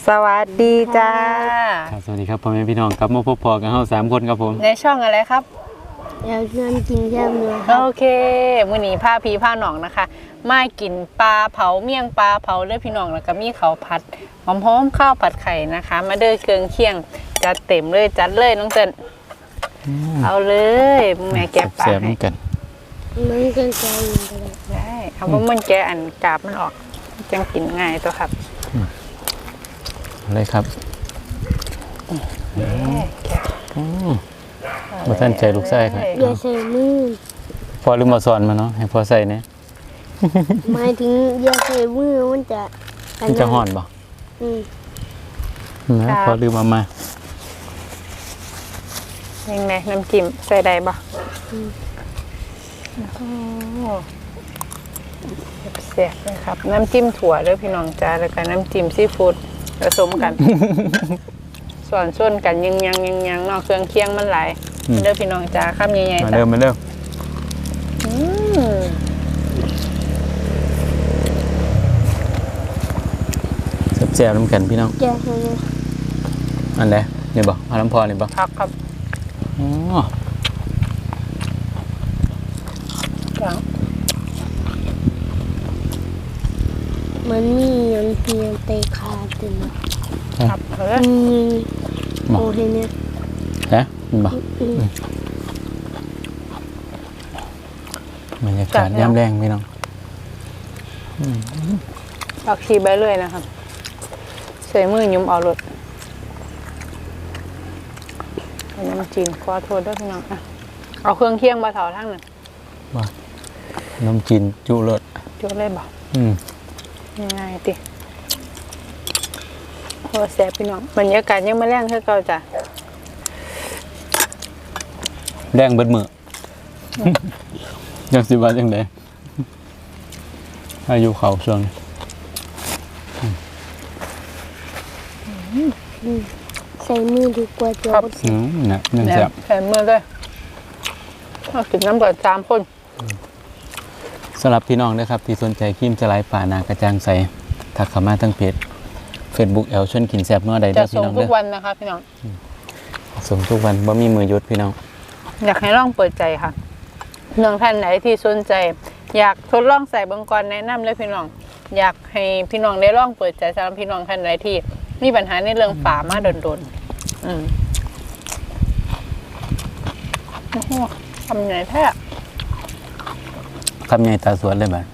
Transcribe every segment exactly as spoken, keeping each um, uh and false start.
สวัสดีจ้าครับสวัสดีครับพ่อแม่พี่น้องครับมาพบพอกันเฮาสามคนครับผมในช่องอะไรครับอยากชวนกินแซ่บเนื้อโอเคมื้อนี้พาพี่พาน้องนะคะมากินปลาเผาเมี่ยงปลาเผาเด้อพี่น้องแล้วก็มีข้าวผัดหอมๆข้าวผัดไข่นะคะมาเด้อเครื่องเคียงจัดเต็มเลยจัดเลยน้องเติ้ลเอาเลยแม่แกะปลาให้กันมันก็ใจอยู่ก็ได้ได้เอาบ่มันแกะอันกาบมันออกจังกินง่ายตัวครับเลยครับมาท่านใจลูกไส้ครับอย่าใส่มือพอลืมมาสอนมาเนาะให้พอใส่เนี่ยหมายถึงอย่าใส่มือมันจะมันจะห่อนบ่อืมนะพอลืมมามายังไงน้ำจิ้มใส่ได้บ่แซ่บเลยครับน้ำจิ้มถั่วด้วยพี่น้องจ้าแล้วก็น้ำจิ้มซีฟู้ดผสมกันส่วนส่วนกันยังยังยังยังนอกเครื่องเคียงมันหลายเด้อพี่น้องจ้าข้ามใหญ่ๆมาเริ่มมาเริ่มแซ่บๆน้ำกันพี่น้องแกะให้เลยอันไหนนี่บ่เอาน้ำพอนี่บ่ครับครับอ๋อมันมียันเพียงเตะขาตึงครับเออโอ้เห็นเนี่ยฮะมันบ่บรรยากาศย่ำแรงพี่น้องผักชีใบเลยนะครับใส่มือยุ่มเอารถน้ำจีนขอโทษด้วยพี่น้องอ่ะเอาเครื่องเคียงมาเถาทั้งหนึ่งว่าน้ำจีนจุรสจุเลยบ่อืมง่ายๆติโอ้แซ่บพี่น้องบรรยากาศยังไม่แรงเท่าเก่าจ้ะแรงเบิดมือยังสิบวันยังไงอายุเขาช่วงใส่มือดีกว่าจ้ะอืมนะนึ่งแซ่บใส่มือด้วยเอาถึงน้ำเปิดสามคนสำหรับพี่น้องนะครับที่สนใจครีมจะไลฟ์ป่านากระจ่างใสทักเข้ามาทั้งเพจ Facebook แอลชวนกินแซ่บนัวใดได้พี่น้องจะส่งทุกวันนะคะพี่น้องส่งทุกวันบ่มีมือหยุดพี่น้องอยากให้ลองเปิดใจค่ะเรื่องท่านไหนที่สนใจอยากทดลองใส่เบิ่งก่อนแนะนำเลยพี่น้องอยากให้พี่น้องได้ลองเปิดใจสำหรับพี่น้องท่านไหนที่มีปัญหาในเรื่องฝามาโดนๆอืมโอ้โหทำไงแท้คำใหญ่ตาสวนเลยบ่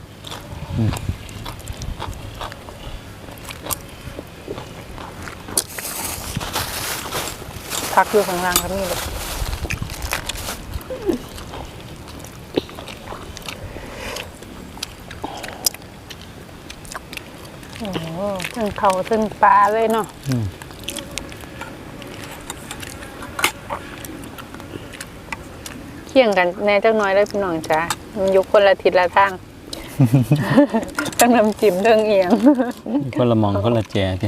พักอยู่ข้างล่างครับนี่เลยโอ้โหทั้งเขาทั้งปลาเลยเนาะเคี่ยงกันแน่จักน้อยได้พี่น้องจ้ามันยกคนละทิศละทางต้องน้ำจิ้มเรื่องเอียงคนละมองคนละแจดิ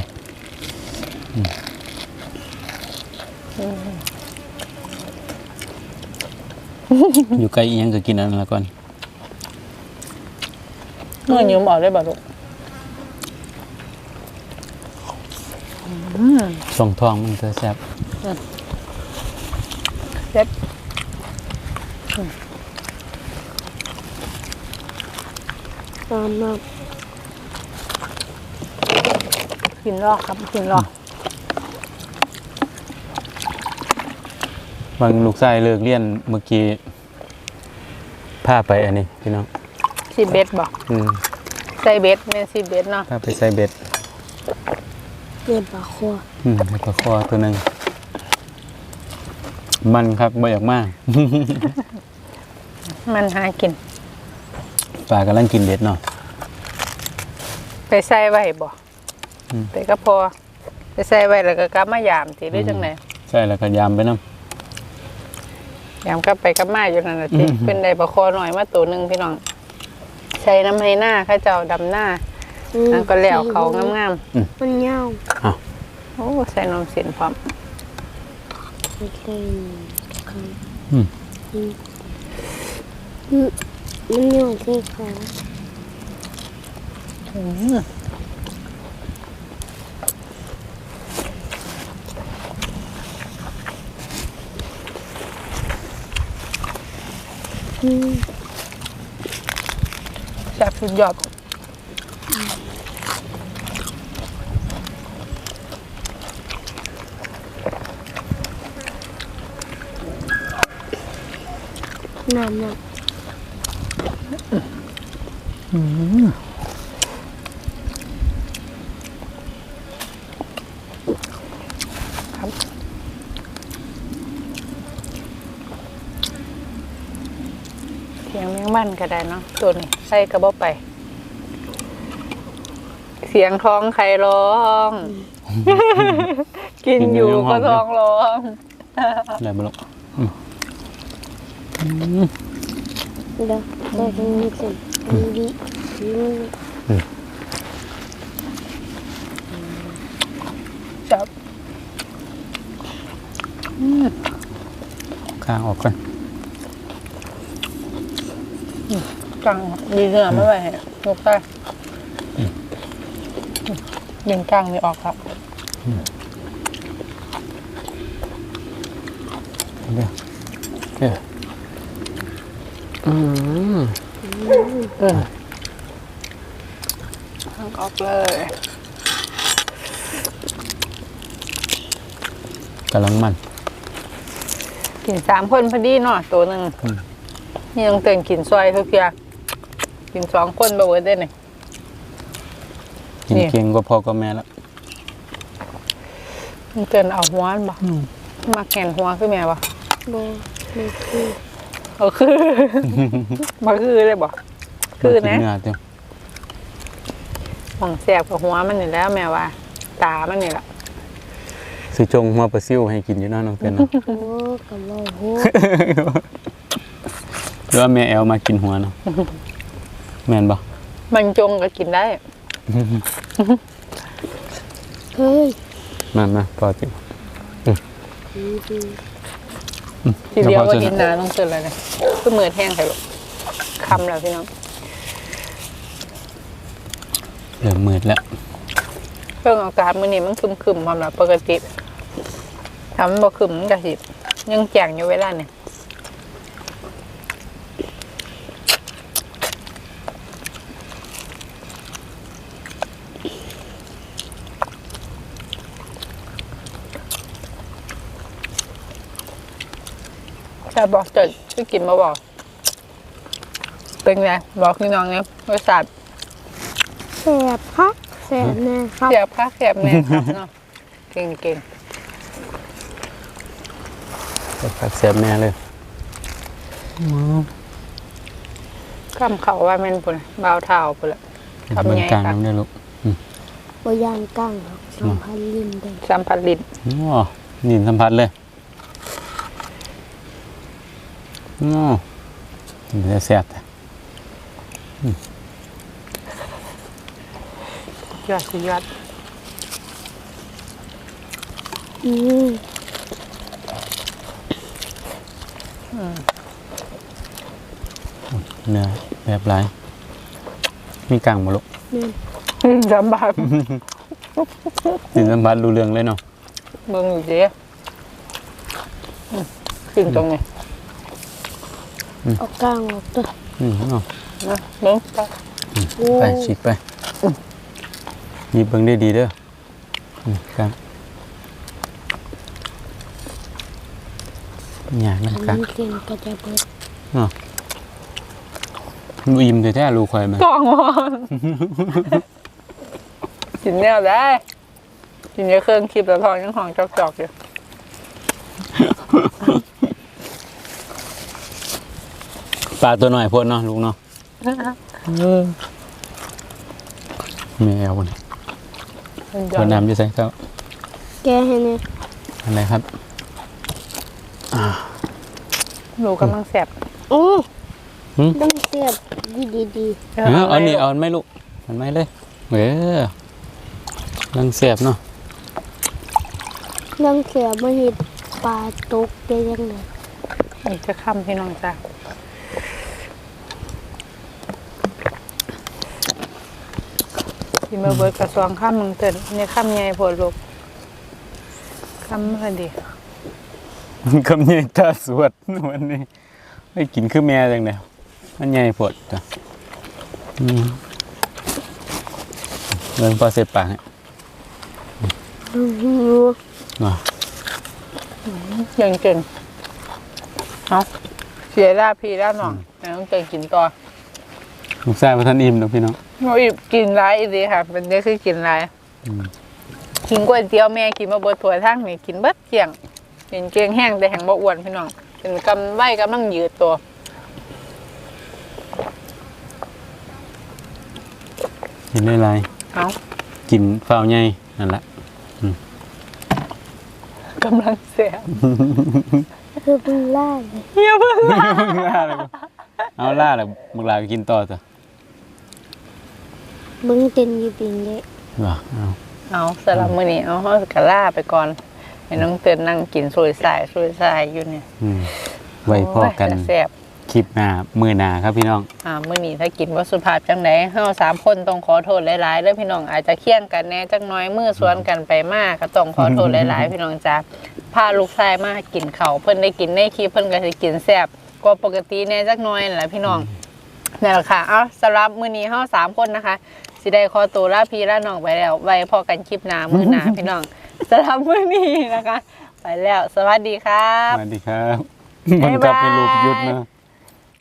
อยู่ใกล้อีหยังก็กินอันนั้นละก่อนเมื่อยืมออกได้บ่ลูกส่งทองมันจะแซ่บแซ่บตามมากินรอกครับกินรอกบางลูกชายเลิกเรียนเมื่อกี้พาไปอันนี้พี่น้องซีเบสบอกใส่เบสเมนซีเบสเนาะพาไปใส่เบสเบ็ดปลาคออืมปลาคอตัวหนึ่งมันครับบ่อยากมากมันหากินปลากำลังกินเบ็ดเนาะไปใส่ไว้บ่ไปก็พอไปใส่ไว้แล้วก็กลับมายามสิหรือจังไหนใช่แล้วก็ยามไปน้ำยามก็ไปกับมาอยู่นั่นแหละสิเป็นได้ปลาคอหน่อยมาตัวหนึ่งพี่น้องใช้น้ำให้หน้าข้าเจ้าดำหน้าแล้วก็แล้วเขางามๆมันเงาโอ้ใส่นมเสียนพร้อมอืมมันเงาที่ขาออืมแซ่บสุดยอดน้ำน้เสียงแมงมันก็ได้เนาะตัวนี้ใส่กระบอกไป เสียงท้องใครร้อง กินอยู่ก็ท้องร้องอะไรบ้างำเดี๋ยวเดี๋ยวตรงนี้สิดีดีดีจับข้างออกก่อนกังดีเนื้อไม่ไหวให้ยกได้ดึงกังนี่ออกครับเดี๋ยวเดี๋ยวอืมเออออกเลยกำลังมันกินสามคนพอดีเนาะตัวหนึ่งนี่ต้องเตือนกินซอยทุกอย่างกินสองคนบ่เวิร์ดได้เนี่ยกินนี่เคียงก็พอก็แม่แล้วต้องเตือนเอาหัวมันบ่มาแขนหัวคือแม่บ่โบไม่คือเอาคือ มาคือเลยบ่คือนะเนื้อเต็มของแสบกับหัวมันนี่แล้วแม่ว่า ตามันนี่แหละสิจงหัวปลาซิวให้กินอยู่เนาะน้องเต้นเนาะโอ้กับเราโหหรือว่าแม่แอลมากินหัวเนาะแม่นบ่มันจงก็กินได้เฮ้ยมามาพอจิดีดีทีเดียวก็กินนาต้องเตือนอะไรเนี่ยก็มือแห้งใส่ลูกคำแล้วพี่น้องเริ่มมืดแล้วเครื่องอากาศมื้อนี้มันคึมๆความแบบปกติทำมันบ่คึมมันก็สิยังแจ่งอยู่เวลาเนี่ยแต่บอกเจิดช่วยกินมาบอก เป็นไงบอกพี่น้องเนี่ยบริษัทแสบครับแสบแน่ครับเสียบค่าเสียบแน่ครับเนาะเก่งเก่งผักเสียบแม่เลยๆข้ามเขาว่าแม่นปุ่นบ่าวเท้าปุ่นละ ทำเบิ่ไงงกลางครับน้ำได้ลูกบยานกั้งครับสัมพันธ์ลิ้นเด้สัมผัสลิ้นอ๋อนี่สัมผัสเลยอ๋อมันจะแซ่บแต่ยอดสุดยอดอืมเนื้อแบบหลายมีกลางบ่ลูกแม่นสัมผัสสินสัมผัสรู้เรื่องเลยเนาะเบิ่งอยู่เด้อืมขึ้นตรงนี้เอาก้างออกตัวอืมเนาะนะเบิ่งไปโอ้ไปฉีกไปหยิบเบิ่งได้ดีเด้ออืมครับอยากนะอันครับนี้เส้นก็จะเบิดเนาะอิ่มแต่แท้ๆลูกข่อยมันกล่องวอนกินแนวได้กินเยอะเครื่องคลิปแล้วทองยังหองจอกๆอยู่ปลาตัวหน่อยโพดเนาะลูกเนาะแมวนี่มันยตัอวดน้ำจะใส่เจ้าแกให้เนี่ยอะไรครับหนูกำลังแสบโอ้หืมต้องเสียบดีดีดีเออเอานี่เอาอันไม่ลูกอันไม่เลยเออลังเสียบเนาะต้องเสียบมาเห็ดปลาตกได้ยังไงอีกจะค่ำพี่น้องจ้าที่มาเบิดกระทรวงข้ามเมืองเถินเนี่ยข้ามใหญ่โพดลูกข้ามอะไรดีคำนี้ตาสวดวันนี้ไปกินคือแม่จังเดียวมันใหญ่ปวดจ้ะอืมเรื่องพอเสร็จปากให้หิวเนาะยังเก่งเอาเสียด้าพี่ด้าหน่องแล้วต้องเก่งกินต่อลูกชายพระท่านอิ่มเนาะพี่น้องโอ้ยกินร้ายอีดีค่ะเป็นเนี้ยคือกินร้ายอืมกินก๋วยเตี๋ยวแม่กินมาเบิดถั่วทั้งนี่กินเบิดเกลี่ยงกินเกลียงแห้งแต่แห้งบ่อ้วนพี่น้องเป็นกำไว้กำลังยืดตัวกินได้ไรเอากินเฝ้าวใหญ่นั่นละกำลังเสียคือเป็นล่าเลยเฮียเพิ่งล่าเลยเอาล่าเลยมึงลาไปกินต่อจ้ะมึงเต้นอยู่ปิงเลยเหรอเอาเอาสำหรับมื้อนี้เอาเฮากะล่าไปก่อนให้น้องเตือนนั่งกินสวยสายสวยสายอยู่เนี่ยอืมไว้พอกันโยแซ่บคลิปหน้ามือหน้าครับพี่น้องอ่ามื้อนี้ถ้ากินบ่สุภาพจังไดเฮาสามคนต้องขอโทษหลายๆเด้อพี่น้องอาจจะเคี่ยงกันแหน่จักหน้อยมือสวนกันไปมากก็ต้องขอโทษหลายๆพี่น้องจ้าพาลูกชายมากินข้าวเพิ่นได้กินในคลิปเพิ่นก็สิกินแซ่บกว่าปกติแหน่จักหน้อยนั่นแหละพี่น้องนั่นแหละค่ะเอาสำหรับมื้อนี้เฮาสามคนนะคะสิได้ขอตัวลาพี่ลาน้องไปแล้วไว้พอกันคลิปหน้ามื้อหน้า พี่น้องสำหรับมื้อนี้นะคะ ไปแล้วสวัสดีครับสวัสดีครับมันกลับไปรูปยุดนะ